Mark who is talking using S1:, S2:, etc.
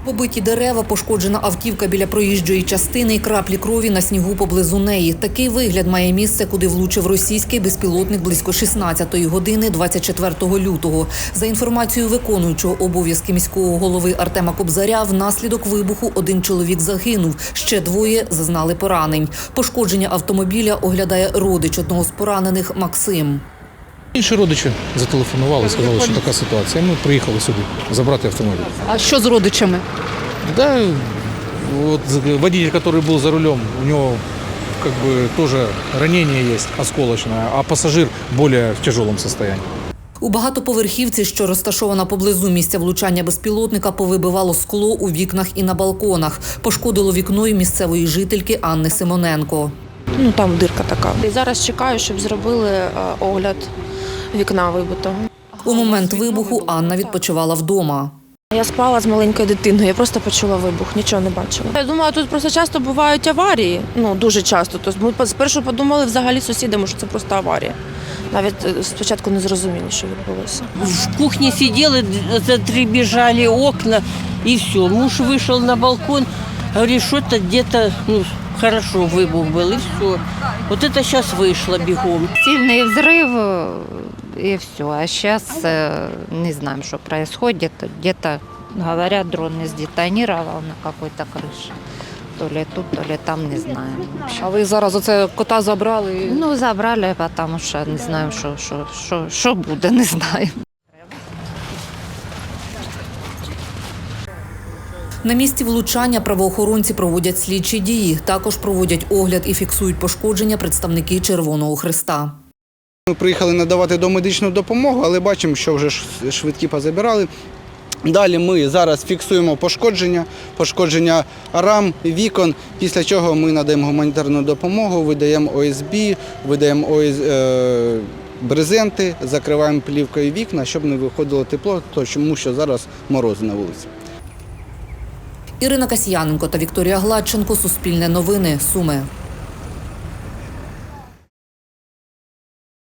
S1: Побиті дерева, пошкоджена автівка біля проїжджої частини і краплі крові на снігу поблизу неї. Такий вигляд має місце, куди влучив російський безпілотник близько 16-ї години 24 лютого. За інформацією виконуючого обов'язки міського голови Артема Кобзаря, внаслідок вибуху один чоловік загинув, ще двоє зазнали поранень. Пошкодження автомобіля оглядає родич одного з поранених Максим.
S2: Інші родичі зателефонували, сказали, що така ситуація. Ми приїхали сюди забрати автомобіль.
S1: А що з родичами?
S2: Да, вот водитель, который был за рулем, у него как бы тоже ранение есть осколочное, а пассажир более в тяжелом состоянии.
S1: У багатоповерхівці, що розташована поблизу місця влучання безпілотника, повибивало скло у вікнах і на балконах. Пошкодило вікно й місцевої жительки Анни Симоненко.
S3: Там дирка така. І зараз чекаю, щоб зробили огляд вікна вибитого.
S1: У момент вибуху Анна відпочивала вдома.
S3: Я спала з маленькою дитиною, я просто почула вибух, нічого не бачила. Я думала, тут просто часто бувають аварії, дуже часто. Тобто ми спершу подумали взагалі сусідами, що це просто аварія. Навіть спочатку не зрозуміли, що відбулося.
S4: В кухне сидели, затребежали окна, и все. Муж вышел на балкон, говорит, что-то где-то, хорошо выбух был, и все. Вот это сейчас вышло бегом.
S5: Сильный взрыв, и все. А сейчас не знаем, что происходит. Где-то, говорят, дрон не сдетонировал на какой-то крыше. То ли тут, то ли там, не знаем.
S1: А ви зараз оце кота забрали?
S5: Забрали, потому что не знаем, что буде, не знаем.
S1: На місці влучання правоохоронці проводять слідчі дії. Також проводять огляд і фіксують пошкодження представники Червоного Хреста.
S6: Ми приїхали надавати домедичну допомогу, але бачимо, що вже швидкі позабирали. Далі ми зараз фіксуємо пошкодження рам, вікон, після чого ми надаємо гуманітарну допомогу, видаємо ОСБ, видаємо брезенти, закриваємо плівкою вікна, щоб не виходило тепло, тому що зараз морози на вулиці.
S1: Ірина Касьяненко та Вікторія Гладченко. Суспільне новини. Суми.